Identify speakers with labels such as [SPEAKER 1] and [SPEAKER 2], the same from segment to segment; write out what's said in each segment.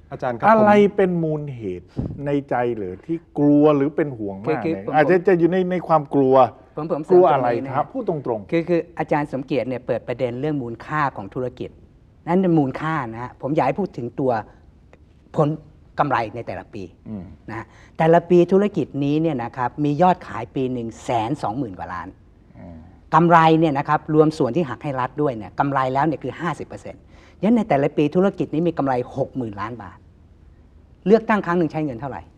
[SPEAKER 1] อาจารย์ครับ
[SPEAKER 2] อะไรเป็นมูลเหตุในใจหรือที่กลัวหรือเป็นห่วงมากเนี่ยอาจจะอยู่ในความกลัวกลัวอะไรครับพูดตรง
[SPEAKER 3] ๆคืออาจารย์สมเกียรติเนี่ยเปิดประเด็นเรื่องมูลค่าของธุรกิจนั่นเป็นมูลค่านะฮะผมอยากให้พูดถึงตัวผลกำไรในแต่ละปีนะแต่ละปีธุรกิจนี้เนี่ยนะครับมียอดขายปีหนึ่ง120,000 กว่าล้านกำไรเนี่ยนะครับรวมส่วนที่หักให้รัฐด้วยเนี่ยกำไรแล้วเนี่ยคือ 50%ยันในแต่ละปีธุรกิจนี้มีกำไร 60,000 ล้านบาทเลือกตั้งครั้งหนึ่งใช้เงินเท่าไหร่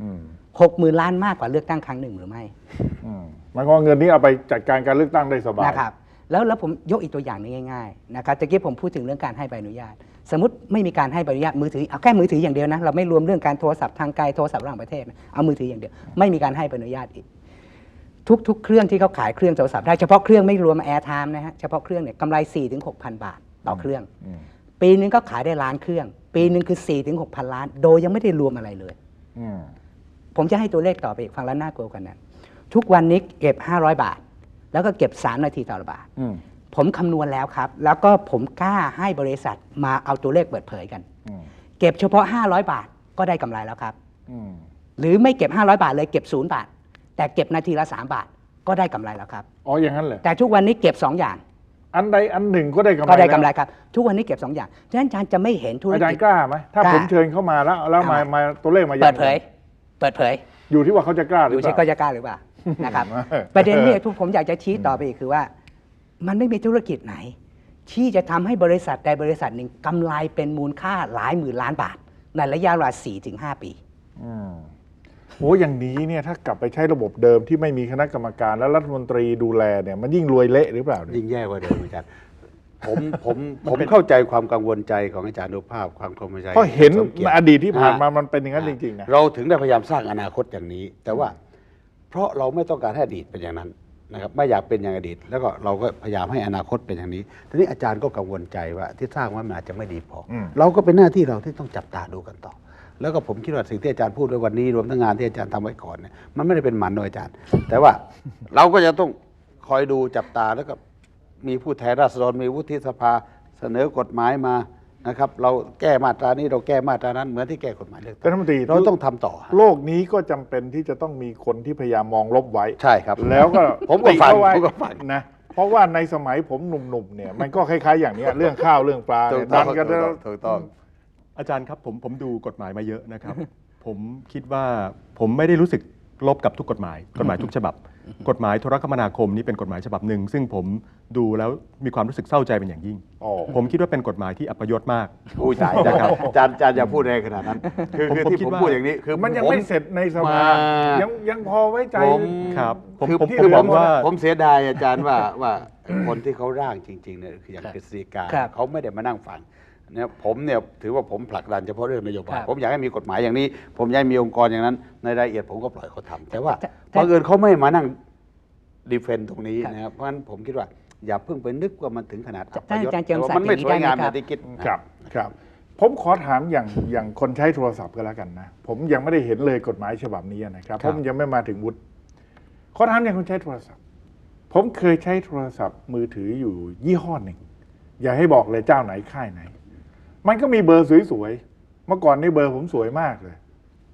[SPEAKER 3] 60,000 ล้านมากกว่าเลือกตั้งครั้งหนึ่งหรือไม่
[SPEAKER 2] หมายความเงินนี้เอาไปจัดการการเลือกตั้งได้สบาย
[SPEAKER 3] นะครับแล้วผมยกอีกตัวอย่างนึงง่ายๆนะครับตะกี้ผมพูดถึงเรื่องการให้ใบอนุญาตสมมติไม่มีการให้ใบอนุญาตมือถือเอาแค่มือถืออย่างเดียวนะเราไม่รวมเรื่องการโทรศัพท์ทางไกลโทรศัพท์ระหว่างประเทศเอามือถืออย่างเดียวไม่มีการให้ใบอนุญาตอีกทุกเครื่องที่เขาขายเครื่องโทรศัพท์ได้เฉพาะเครื่องไม่รวมแอร์ไทม์นะฮะเฉพาะเครื่องเนี่ยกำไร 4-6,000 บาทต่อเครื่องปีนึงก็ขายได้ล้านเครื่องปีนึงคือ 4-6,000 ล้านโดยยังไม่ได้รวมอะไรเลยผมจะให้ตัวเลขต่อไปอีกฟังแล้วน่ากลัวกันนั้นทุกวันนี้เก็บ500 บาทแล้วก็เก็บ3 นาทีต่อบาทผมคำนวณแล้วครับแล้วก็ผมกล้าให้บริษัทมาเอาตัวเลขเปิดเผยกันเก็บเฉพาะ500 บาทก็ได้กำไรแล้วครับหรือไม่เก็บ500 บาทเลยเก็บ0 บาทแต่เก็บนาทีละ3 บาทก็ได้กำไรแล้วครับ
[SPEAKER 2] อ๋ออย่างนั้นเลย
[SPEAKER 3] แต่ทุกวันนี้เก็บ2 อย่าง
[SPEAKER 2] อันใดอันหนึ่งก็ได้กำไร
[SPEAKER 3] ก็ได้กำไรครับทุกวันนี้เก็บ2 อย่างฉะนั้นอาจารย์จะไม่เห็นธุรกิจ
[SPEAKER 2] อาจารย์กล้าไหมถ้าผมเชิญเข้ามาแล้วมาตัวเลขมา
[SPEAKER 3] เปิดเผย
[SPEAKER 2] อยู่ที่ว่าเขาจะกล้าหรือเปล่า
[SPEAKER 3] อยู่ที่เขาจะกล้าหรือเปล่านะครับประเด็นนี้ทุกผมอยากจะชี้ต่อไปอีกคือว่ามันไม่มีธุรกิจไหนที่จะทำให้บริษัทใดบริษัทหนึ่งกำไรเป็นมูลค่าหลายหมื่นล้านบาทในระยะเวลา 4-5 ปี
[SPEAKER 2] โอ้อย่างนี้เนี่ยถ้ากลับไปใช้ระบบเดิมที่ไม่มีคณะกรรมการและรัฐมนตรีดูแลเนี่ยมันยิ่งรวยเละหรือเปล่า
[SPEAKER 4] ยิ่งแย่กว่าเดิมอาจารย์ผมเข้าใจความกังวลใจของอาจารย์อนุภาพความกังวลใจ
[SPEAKER 2] เพราะเห็นอดีตที่ผ่านมามันเป็นอย่างนั้นจริงๆนะ
[SPEAKER 4] เราถึงได้พยายามสร้างอนาคตอย่างนี้แต่ว่าเพราะเราไม่ต้องการให้อดีตเป็นอย่างนั้นนะครับไม่อยากเป็นอย่างอดีตแล้วก็เราก็พยายามให้อนาคตเป็นอย่างนี้ทีนี้อาจารย์ก็กังวลใจว่าที่สร้างมันอาจจะไม่ดีพอเราก็เป็นหน้าที่เราที่ต้องจับตาดูกันต่อแล้วก็ผมคิดว่าสิ่งที่อาจารย์พูดไว้วันนี้รวมทั้งงานที่อาจารย์ทำไว้ก่อนเนี่ยมันไม่ได้เป็นหมันโดยอาจารย์แต่ว่าเราก็จะต้องคอยดูจับตาแล้วก็มีผู้แทนราษฎรมีวุฒิสภาเสนอกฎหมายมานะครับเราแก้มาตรานี้เราแก้มาตรานั้นเหมือนที่แก้กฎหมายเลือกตั้งเราต้องทำต่อ
[SPEAKER 2] โลกนี้ก็จำเป็นที่จะต้องมีคนที่พยายามมองลบไว้
[SPEAKER 4] ใช่ครับ
[SPEAKER 2] แล้วก็
[SPEAKER 4] ผมก็ฟัง
[SPEAKER 2] นะเพราะว่าในสมัยผมหนุ่มๆเนี่ยมันก็คล้ายๆอย่างนี้เรื่องข้าวเรื่องปลาดันกัน
[SPEAKER 4] ถูกต้อง
[SPEAKER 1] อาจารย์ครับผมดูกฎหมายมาเยอะนะครับผมคิดว่าผมไม่ได้รู้สึกลบกับทุกกฎหมายทุกฉบับกฎหมายโทรคมนาคมนี่เป็นกฎหมายฉบับหนึ่งซึ่งผมดูแล้วมีความรู้สึกเศร้าใจเป็นอย่างยิ่งผมคิดว่าเป็นกฎหมายที่อัปยศมาก
[SPEAKER 4] อุ้ยตายนะครับอาจารย์อย่าพูดแรงขนาดนั้นคือที่ผมพูดอย่างนี้คือ
[SPEAKER 2] มันยังไม่เสร็จในสภายังพอไว้ใจ
[SPEAKER 1] ครับ
[SPEAKER 4] คือผมเสียดายอาจารย์ว่าคนที่เขาร่างจริงๆเนี่ยคืออย่างกฤษฎีกาเขาไม่ได้มานั่งฟังเนี่ยผมเนี่ยถือว่าผมผลักดันเฉพาะเรื่องนโยบายผมอยากให้มีกฎหมายอย่างนี้ผมอยากให้มีองค์กรอย่างนั้นในรายละเอียดผมก็ปล่อยเขาทำแต่ว่าบังเอิญเขาไม่มานั่งดีเฟนต์ตรงนี้นะครับเพราะฉะนั้นผมคิดว่าอย่าเพิ่งไปนึกว่ามันถึงขนาดอัปยศมันไม่สวยงามอย่างที่คิด
[SPEAKER 2] ครับผมขอถามอย่างคนใช้โทรศัพท์ก็แล้วกันนะผมยังไม่ได้เห็นเลยกฎหมายฉบับนี้นะครับผมยังไม่มาถึงวุฒิขอถามอย่างคนใช้โทรศัพท์ผมเคยใช้โทรศัพท์มือถืออยู่ยี่ห้อหนึ่งอย่าให้บอกเลยเจ้าไหนค่ายไหนมันก็มีเบอร์สวยๆเมื่อก่อนนี่เบอร์ผมสวยมากเลย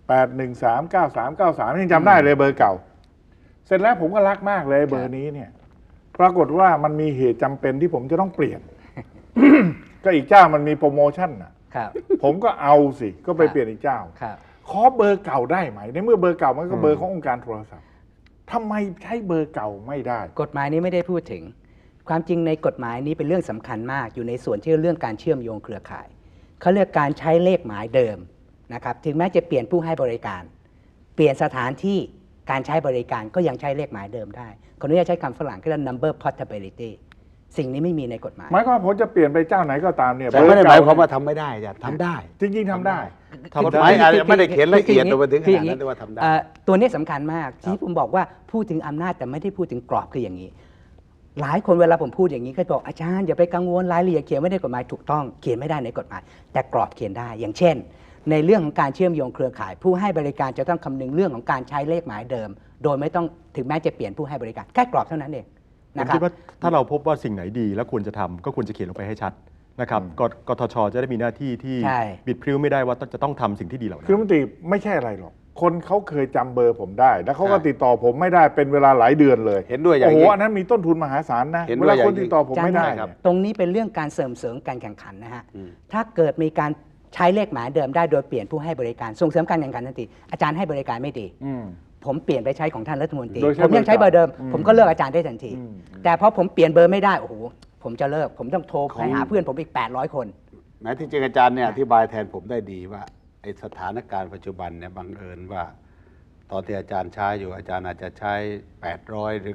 [SPEAKER 2] 8139393ยังจำได้เลยเบอร์เก่าเสร็จแล้วผมก็รักมากเลยเบอร์นี้เนี่ยปรากฏว่ามันมีเหตุจำเป็นที่ผมจะต้องเปลี่ยน ก็อีกเจ้ามันมีโปรโมชั่นนะผมก็เอาสิก็ไปเปลี่ยนอีกเจ้าขอเบอร์เก่าได้ไหมในเมื่อเบอร์เก่ามันก็เบอร์ขององค์การโทรศัพท์ทำไมใช้เบอร์เก่าไม่ได้
[SPEAKER 3] กฎหมายนี้ไม่ได้พูดถึงความจริงในกฎหมายนี้เป็นเรื่องสำคัญมากอยู่ในส่วนที่เรื่องการเชื่อมโยงเครือข่ายเขาเรียกการใช้เลขหมายเดิมนะครับถึงแม้จะเปลี่ยนผู้ให้บริการเปลี่ยนสถานที่การใช้บริการก็ยังใช้เลขหมายเดิมได้คนนี้จะใช้คำฝรั่งที่เรียก number portability สิ่งนี้ไม่มีในกฎหมาย
[SPEAKER 2] หมายความผมจะเปลี่ยนไปเจ้าไหนก็ตามเนี่ย
[SPEAKER 4] แต่ไม่ได้หมายความว่าทำไม่ได้จะทำได้
[SPEAKER 2] จริงๆทำได้
[SPEAKER 4] กฎหมายไม่ได้เขียนละเอียดลงไปถึงขนาดนั้นแต่ว่าทำได้
[SPEAKER 3] ตัวนี้สำคัญมากที่ผมบอกว่าพูดถึงอำนาจแต่ไม่ได้พูดถึงกรอบคืออย่างนี้หลายคนเวลาผมพูดอย่างนี้ก็บอกอาจารย์อย่าไปกังวลรายละเอียดเขียนไม่ได้กฎหมายถูกต้องเขียนไม่ได้ในกฎหมายแต่กรอบเขียนได้อย่างเช่นในเรื่องของการเชื่อมโยงเครือข่ายผู้ให้บริการจะต้องคำนึงเรื่องของการใช้เลขหมายเดิมโดยไม่ต้องถึงแม้จะเปลี่ยนผู้ให้บริการแค่กรอบเท่านั้นเอง
[SPEAKER 1] ผมคิดว่าถ้าเราพบว่าสิ่งไหนดีแล้วควรจะทำก็ควรจะเขียนลงไปให้ชัดนะครับกทชจะได้มีหน้าที่ที่
[SPEAKER 3] ใช่
[SPEAKER 1] บิดพริ้วไม่ได้ว่าจะต้องทำสิ่งที่ดีเหล่านั้
[SPEAKER 2] คือน รัฐมนตรีไม่ใช่อะไรหรอกคนเขาเคยจำเบอร์ผมได้ แล้วเขาก็ติดต่อผมไม่ได้เป็นเวลาหลายเดือนเลย
[SPEAKER 4] เห็นด้วยอย่าง
[SPEAKER 2] โอ้โห
[SPEAKER 4] ยิ่ง
[SPEAKER 2] อันนั้นมีต้นทุนมหาศาลนะ
[SPEAKER 4] เห็น
[SPEAKER 2] เว
[SPEAKER 4] ด้วย
[SPEAKER 2] ลา
[SPEAKER 4] อย่าง
[SPEAKER 2] คนติดต่อผมไม่ได้
[SPEAKER 4] ยิ่งครับ
[SPEAKER 2] เนี่ย
[SPEAKER 3] ตรงนี้เป็นเรื่องการเสริมการแข่งขันนะฮะ ถ้าเกิดมีการใช้เลขหมายเดิมได้โดยเปลี่ยนผู้ให้บริการส่งเสริมการแข่งขันทันทีอาจารย์ให้บริการไม่ดี
[SPEAKER 2] อืม
[SPEAKER 3] ผมเปลี่ยนไปใช้ของท่านรัฐมนตรี
[SPEAKER 2] โดยใช้
[SPEAKER 3] ผมยังใช้เบอร์เดิม
[SPEAKER 2] อืม
[SPEAKER 3] ผมก็เลิกอาจารย์ได้ทันที
[SPEAKER 2] อืม
[SPEAKER 3] แต่พอผมเปลี่ยนเบอร์ไม่ได้โอ้โหผมจะเลิกผมต้องโทร
[SPEAKER 4] ของ
[SPEAKER 3] ไปหาเพื่อนผมอีก800 คน
[SPEAKER 4] แม้ที่จริงอาจารย์เนี่ยอธิบายแทนผมได้ดีว่าไอสถานการณ์ปัจจุบันเนี่ยบังเอิญว่าตอนที่อาจารย์ใช้อยู่อาจารย์อาจจะใช้800หรือ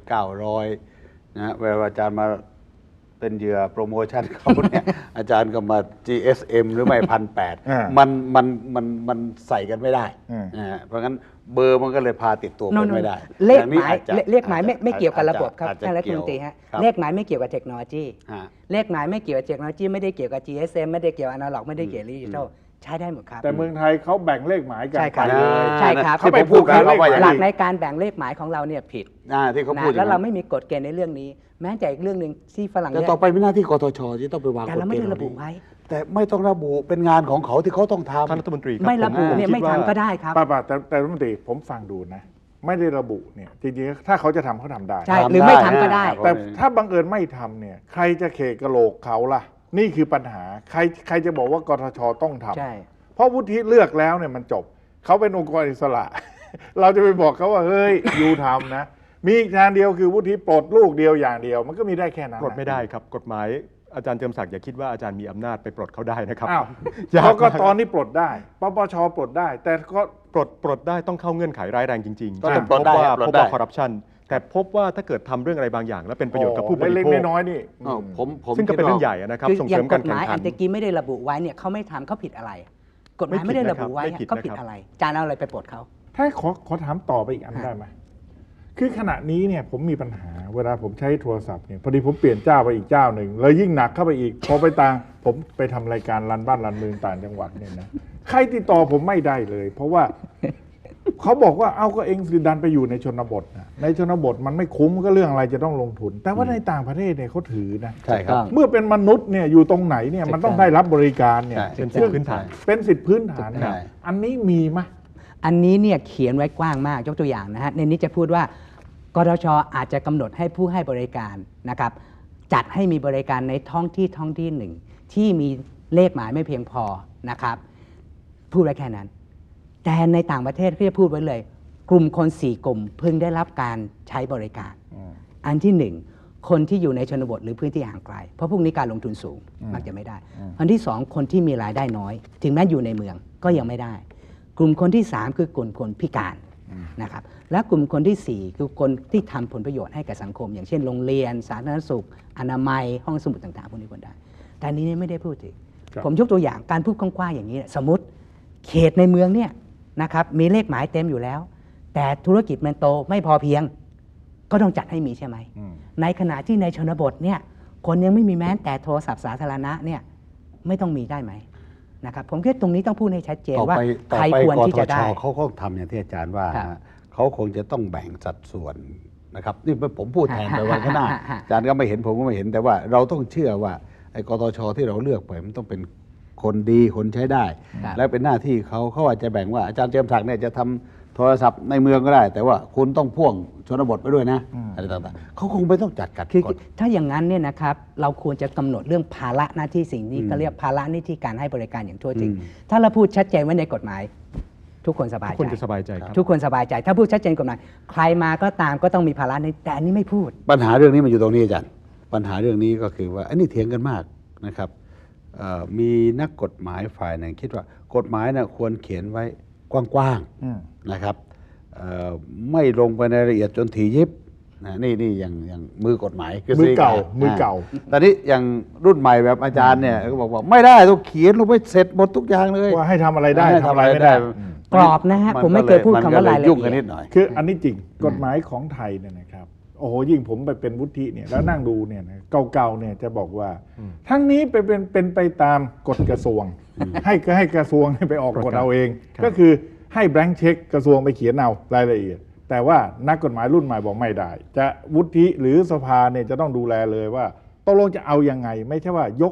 [SPEAKER 4] 900นะเวลาอาจารย์มาเป็นเหยื่อโปรโมชั่นเขาเนี่ย อาจารย์ก็มา GSM หรือไม่1,800
[SPEAKER 2] อ่า
[SPEAKER 4] มันใส่กันไม่ได้
[SPEAKER 2] อืม
[SPEAKER 4] นะฮะเพราะงั้นเบอร์มันก็เลยพาติดตัวไป
[SPEAKER 3] โน่นๆ
[SPEAKER 4] ไม่ได้
[SPEAKER 3] เลข
[SPEAKER 4] อย่าง
[SPEAKER 3] ห
[SPEAKER 4] นี้
[SPEAKER 3] มาย
[SPEAKER 4] อาจจะ
[SPEAKER 3] เลขหมายไม่เกี่ยวกับระบบครับ
[SPEAKER 4] อาจจะ
[SPEAKER 3] ท่านรัฐมนตรีฮะ
[SPEAKER 4] ครับ
[SPEAKER 3] เลขหมายไม่เกี่ยวกับเทคโนโลยี
[SPEAKER 4] ฮะ
[SPEAKER 3] เลขหมายไม่เกี่ยวกับเทคโนโลยีไม่ได้เกี่ยวกับ GSM ไม่ได้เกี่ยวกับอนาล็อกไม่ได้เกี่ยวกับดิจิทัลใช้ได้หมดครับ
[SPEAKER 2] แต่เมืองไทยเขาแบ่งเลขหมายกัน
[SPEAKER 3] ใช่ครับ
[SPEAKER 2] ไปเลย
[SPEAKER 3] ใช่ครับ
[SPEAKER 2] เขาไปพูดกัน
[SPEAKER 4] เขาว่าอย่าง
[SPEAKER 3] หลัก
[SPEAKER 4] นี้
[SPEAKER 3] ในการแบ่งเลขหมายของเราเนี่ยผิด
[SPEAKER 4] ที่เขา
[SPEAKER 3] นะ
[SPEAKER 4] พูดอย่
[SPEAKER 3] แล้
[SPEAKER 4] ง
[SPEAKER 3] ว
[SPEAKER 4] นั้น
[SPEAKER 3] เราไม่มีกฎเกณฑ์ในเรื่องนี้ แม้แต่อีกเรื่องหนึ่งที่ฝรั่ง
[SPEAKER 4] แต่
[SPEAKER 3] เนี่ย
[SPEAKER 4] ต่อไปเป็นหน้าที่กทชที่ต้องไปวาง
[SPEAKER 3] แต่
[SPEAKER 4] กฎ
[SPEAKER 3] เราไม่
[SPEAKER 4] เกณ
[SPEAKER 3] ได้
[SPEAKER 4] ฑ์
[SPEAKER 3] ระบุไว้
[SPEAKER 4] แต่ไม่ต้องระบุเป็นงานของเขาที่เขาต้องทำ
[SPEAKER 1] ท่านรัฐมนตรีครับ
[SPEAKER 3] ไม่ระบุ
[SPEAKER 1] ผม
[SPEAKER 3] เนี่ย
[SPEAKER 1] คิด
[SPEAKER 3] ไม่
[SPEAKER 1] ว่า
[SPEAKER 3] ทำก็ได้ครับ
[SPEAKER 2] ป้าแต่รัฐมนตรีผมฟังดูนะ ไม่ได้ระบุเนี่ยจริงๆถ้าเขาจะทำเขาทำได้
[SPEAKER 3] ใช่
[SPEAKER 4] ทำ
[SPEAKER 3] หรือไม่
[SPEAKER 4] ได้
[SPEAKER 3] ทำก็ได้
[SPEAKER 4] นะ
[SPEAKER 2] แต่ถ้าบังเอิญไม่ทำเนี่ยใครจะเขกกระโหลกเขาล่ะ นี่คือปัญหาใครจะบอกว่ากทชต้องทำ
[SPEAKER 3] ใช่
[SPEAKER 2] เพราะวุฒิเลือกแล้วเนี่ยมันจบเขาเป็นองค์กรอิสระ เราจะไปบอกเขาว่าเฮ้ยยูทำนะ มีอีกทางเดียวคือวุฒิปลดลูกเดียวอย่างเดียว มันก็มีได้แค่นั้น
[SPEAKER 1] ปลดไม่ได้ครับกฎหมายอาจารย์เจิมศักดิ์อย่าคิดว่าอาจารย์มีอำนาจไปปลดเขาได้นะครับ
[SPEAKER 2] อ้าว
[SPEAKER 1] ยาก
[SPEAKER 2] กก
[SPEAKER 1] มาก
[SPEAKER 2] ตนี่ปลดได้ปปชปลดได้ แต่ก็
[SPEAKER 1] ปลดได้ต้องเข้าเงื่อนไขร้ายแรงจริงๆ
[SPEAKER 4] ต้อง
[SPEAKER 1] เช่น
[SPEAKER 4] ปลดได้
[SPEAKER 1] พบ
[SPEAKER 4] ปลดได้
[SPEAKER 1] ว่าคอร์รัปชันแต่พบว่าถ้าเกิดทำเรื่องอะไรบางอย่าง แล้วเป็นประโยชน์กับผู้บริ
[SPEAKER 2] เล็ก
[SPEAKER 1] โภค
[SPEAKER 2] ๆน้อยๆนี่
[SPEAKER 4] อ้าวผม
[SPEAKER 1] ซึ่งก็เป็น
[SPEAKER 4] คิดว่า
[SPEAKER 1] เรื่องใหญ่นะครับ
[SPEAKER 3] คือ
[SPEAKER 1] ส่ง
[SPEAKER 3] อ
[SPEAKER 1] เสริ
[SPEAKER 3] ย่าม ง
[SPEAKER 1] กาก ร
[SPEAKER 3] ฎห
[SPEAKER 1] แข่ง
[SPEAKER 3] มาย
[SPEAKER 1] ขั
[SPEAKER 3] อั
[SPEAKER 1] น
[SPEAKER 3] นตะกี้ไม่ได้ระบุไว้เนี่ยเขาไม่ทำเขาผิดอะไร กฎหมาย
[SPEAKER 1] ไม่
[SPEAKER 3] ไม่
[SPEAKER 1] ผิด
[SPEAKER 3] ได้ระบุไว้
[SPEAKER 1] นะครับไม่ผิด
[SPEAKER 3] เขาผิด
[SPEAKER 1] นะครับ
[SPEAKER 3] อะไรจานเอาอะไรไปปลดเขา
[SPEAKER 2] ถ้าขอถามต่อไปอีกอันได้ไหมคือขณะนี้เนี่ยผมมีปัญหาเวลาผมใช้โทรศัพท์เนี่ยพอดีผมเปลี่ยนเจ้าไปอีกเจ้าหนึ่งเลยยิ่งหนักเข้าไปอีกพอไปผมไปทำรายการรันบ้านรันเมืองต่างจังหวัดเนี่ยนะใครติดต่อผมไม่ได้เลย เพราะว่า เขาบอกว่าเอาก็เองสิดันไปอยู่ในชนบทนะในชนบทมันไม่คุ้มก็เรื่องอะไรจะต้องลงทุน แต่ว่าในต่างประเทศเนี่ยเขาถือนะ
[SPEAKER 4] ใช่ครับ
[SPEAKER 2] เมื่อเป็นมนุษย์เนี่ยอยู่ตรงไหนเนี่ยมันต้องได้รับบริการเนี่ย
[SPEAKER 4] ใช่
[SPEAKER 1] เป็นสิทธิพื้นฐาน
[SPEAKER 2] เป็นสิทธิพื้นฐาน
[SPEAKER 4] ใช่
[SPEAKER 2] อันนี้มีไหม
[SPEAKER 3] อันนี้เนี่ยเขียนไว้กว้างมากยกตัวอย่างนะฮะในนี้จะพูดว่ากทชอาจจะกำหนดให้ผู้ให้บริการนะครับจัดให้มีบริการในท้องที่หนึ่งที่มีเลขหมายไม่เพียงพอนะครับพูดไว้แค่นั้น แต่ในต่างประเทศเขาจะพูดไว้เลย กลุ่มคน 4 กลุ่มพึงได้รับการใช้บริการ อันที่ 1 คนที่อยู่ในชนบทหรือพื้นที่ห่างไกล เพราะพวกนี้การลงทุนสูงมักจะไม่ได้ อันที่ 2 คนที่มีรายได้น้อย ถึงแม้อยู่ในเมืองก็ยังไม่ได้ กลุ่มคนที่ 3 คือกลุ่มคนพิการนะครับและกลุ่มคนที่ 4 คือคนที่ทำผลประโยชน์ให้กับสังคม อย่างเช่นโรงเรียนสาธารณสุขอนามัยห้องสมุดต่างๆพวกนี้คนได้ แต่อันนี้เนี่ยไม่ได้พูดถึง
[SPEAKER 2] ครับ
[SPEAKER 3] ผมยกตัวอย่างการพูดกว้างๆอย่างนี้ สมมติเขตในเมืองเนี่ยนะครับมีเลขหมายเต็มอยู่แล้ว แต่ธุรกิจมันโตไม่พอเพียง ก็ต้องจัดให้มีใช่ไหม ในขณะที่ในชนบทเนี่ยคนยังไม่มีแม้แต่โทรศัพท์สาธารณะเนี่ยไม่ต้องมีได้ไหมนะครับผมคิดตรงนี้ต้องพูดให้ชัดเจน
[SPEAKER 4] ต่อ
[SPEAKER 3] ว่า
[SPEAKER 4] ไป
[SPEAKER 3] ใครควร
[SPEAKER 4] ก
[SPEAKER 3] ที่
[SPEAKER 4] ท
[SPEAKER 3] จะ
[SPEAKER 4] ช
[SPEAKER 3] ได้
[SPEAKER 4] เขาก็ทำอย่างที่อาจารย์ว่า
[SPEAKER 3] ครับ
[SPEAKER 4] ฮะเขาคงจะต้องแบ่งสัดส่วนนะครับนี่ผมพูดแทนไปวันข้างหน้า
[SPEAKER 3] ฮะ
[SPEAKER 4] อาจารย์ก็ไม่เห็นผมก็ไม่เห็นแต่ว่าเราต้องเชื่อว่าไอ้กทชที่เราเลือกไปมันต้องเป็นคนดีคนใช้ได้
[SPEAKER 3] ครับ
[SPEAKER 4] และเป็นหน้าที่เขาอาจจะแบ่งว่าอาจารย์เจียมศักดิ์เนี่ยจะทำโทรศัพท์ในเมืองก็ได้ แต่ว่าคุณต้องพ่วงชนบทไปด้วยนะอะไรต่างๆเขาคงไม่ต้องจัดการ
[SPEAKER 3] คือ
[SPEAKER 4] ก่อน
[SPEAKER 3] ถ้าอย่างนั้นเนี่ยนะครับเราควรจะกำหนดเรื่องภาระหน้าที่สิ่งนี้ก็เรียกภาระหน้าที่การให้บริการอย่างทั่วถึง ถ้าเราพูดชัดเจนไว้ในกฎหมาย ทุกคนสบาย
[SPEAKER 1] คน
[SPEAKER 3] ใจ
[SPEAKER 1] จะสบายใจครับ
[SPEAKER 3] ทุกคนสบายใจ ถ้าพูดชัดเจนกฎหมายใครมาก็ตามก็ต้องมีภาระในแต่อันนี้ไม่พูด
[SPEAKER 4] ปัญหาเรื่องนี้มันอยู่ตรงนี้อาจารย์ปัญหาเรื่องนี้ก็คือว่าอันนี้เถียงกันมากนะครับมีนักกฎหมายฝ่ายหนึ่งคิดว่ากฎหมายนะควรเขียนไว้กว้างๆนะครับไม่ลงไปในรายละเอียดจนถี่ยิบนะนี่อย่างมือกฎหมายคื
[SPEAKER 2] มือเก่า
[SPEAKER 4] สิ่ง
[SPEAKER 2] มือเก่า
[SPEAKER 4] ตอนนี้อย่างรุ่นใหม่แบบอาจารย์เนี่ยก็บอกว่าไม่ได้ต้องเขียนลงไปเสร็จหมดทุกอย่างเลย
[SPEAKER 2] ว่าให้ทำอะไรได้
[SPEAKER 4] ให้
[SPEAKER 2] ทำอะไรไม่ได้
[SPEAKER 3] กรอบนะฮะผมไม่เคยพูดคำว่ารายละเอียด
[SPEAKER 4] ยุ่งกันนิดหน่อย
[SPEAKER 2] คืออันนี้จริงกฎหมายของไทยเนี่ยนะครับโอ้โหยิ่งผมไปเป็นวุฒิเนี่ยแล้วนั่งดูเนี่ยนะเก่าๆเนี่ยจะบอกว่า ทั้งนี้เป็นไปตามกฎกระทรวง ให้กระทรวงไปออกกฎเอาเอง
[SPEAKER 1] ครับ
[SPEAKER 2] ก็คือให้แบงค์เช็คกระทรวงไปเขียนเอารายละเอียด แต่ว่านักกฎหมายรุ่นใหม่บอกไม่ได้ จะวุฒิหรือสภาเนี่ยจะต้องดูแลเลยว่าตกลงจะเอายังไง ไม่ใช่ว่ายก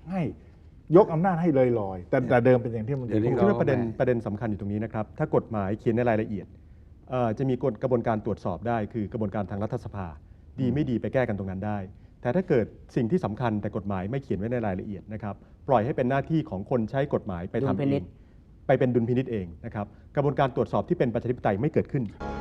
[SPEAKER 2] ให้ยกอำนาจให้ลอยๆแต่เดิมเป็นอย่างที่มัน
[SPEAKER 4] เดี๋ยวนี้
[SPEAKER 1] ผมคิดว่าประเด็นสำคัญอยู่ตรงนี้นะครับ ถ้ากฎหมายเขียนในรายละเอียดจะมีกระบวนการตรวจสอบได้ คือกระบวนการทางรัฐสภา ดีไม่ดีไปแก้กันตรงนั้นได้ แต่ถ้าเกิดสิ่งที่สำคัญแต่กฎหมายไม่เขียนไว้ในรายละเอียดนะครับ ปล่อยให้เป็นหน้าที่ของคนใช้กฎหมายไปทำ
[SPEAKER 3] ดุลพิ
[SPEAKER 1] เอ
[SPEAKER 3] นิ
[SPEAKER 1] ง
[SPEAKER 3] จ
[SPEAKER 1] ไปเป็นดุลพินิจเองนะครับ กระบวนการตรวจสอบที่เป็นประชาธิปไตยไม่เกิดขึ้น